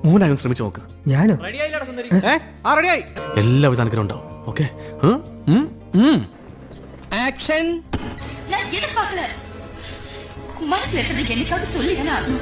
മോനായും ശ്രമിച്ചു നോക്ക്. ഞാനോ? എല്ലാവിധ അനുഗ്രഹം ഉണ്ടാവും. Okay, action. நான் எதிர்பார்க்கல. மனசுல இருக்கிறது என்னைக்காவது சொல்லிதானே ஆகணும்.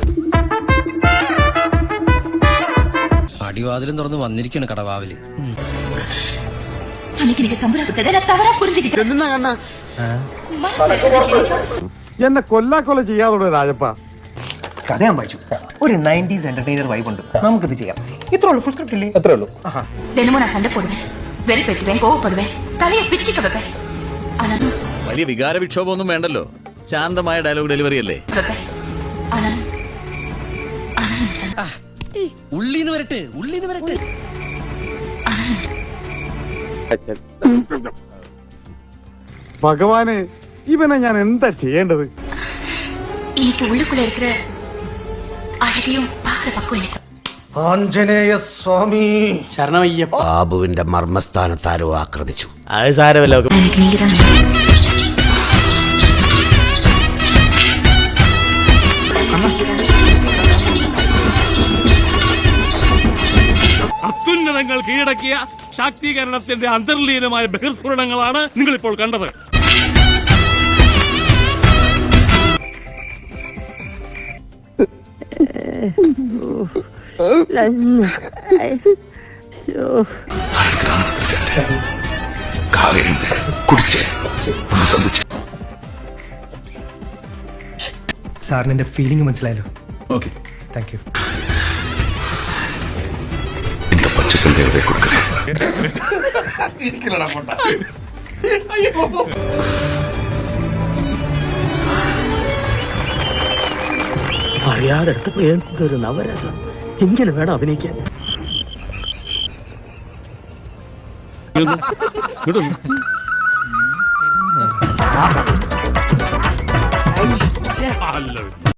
അടിവാതിലും തുറന്ന് വന്നിരിക്കാണ് കടവാവില്. அன்னைக்கு நீங்க தம்புரா கொடுத்ததை நான் தவறா புரிஞ்சுக்கிட்டேன். மனசுல இருக்கிறது என்னைக்காவது എന്നെ കൊല്ലാക്കൊല ചെയ്യാതോടെ രാജപ്പ. കഥ ഞാൻ വായിച്ചു. ഒരു 90s എന്റർടൈനർ വൈബ് ഉണ്ട്, നമുക്കിത് ചെയ്യാം. ഇത്രേ ഉള്ളൂ, ഫുൾ സ്ക്രിപ്റ്റ് ഇല്ലേ? എത്രേ ഉള്ളൂ. தினமும் நான் சண்டை போடுவேன், வெறுப்பேற்றுவேன், கோவப்படுவேன், தலையை பிச்சுக்க வைப்பேன். ஆனா വലിയ വികാര വിക്ഷോഭമൊന്നും വേണ്ടല്ലോ, ശാന്തമായ ഡയലോഗ് ഡെലിവറി അല്ലേ. வைப்பேன். ஆனா ഉള്ളീന്ന് വരട്ടെ, ഉള്ളീന്ന് വരട്ടെ. ഭഗവാനെ, ഇവനെ ഞാൻ എന്താ ചെയ്യേണ്ടത്? இன்னைக்கு உள்ளுக்குள்ள இருக்கிற அழகையும் பாக்குற பக்கம் எனக்கு. ആഞ്ജനേയ സ്വാമി ശരണമയ്യപ്പ. ബാബുവിന്റെ മർമ്മസ്ഥാനത്താരോ ആക്രമിച്ചു. അത് സാരമല്ല. எனக்கு நீங்க தான் അത്യുന്നതങ്ങൾ കീഴടക്കിയ ശാക്തീകരണത്തിന്റെ അന്തർലീനമായ ബഹിർസ്ഫുരണങ്ങളാണ് നിങ്ങളിപ്പോൾ കണ്ടത്. സാറിന് എന്റെ ഫീലിംഗ് മനസ്സിലായല്ലോ. Okay, thank you. അറിയാതെടുത്ത് ഒരു നവരസം ഇങ്ങനെ വേണം അഭിനയിക്കാൻ. അല്ല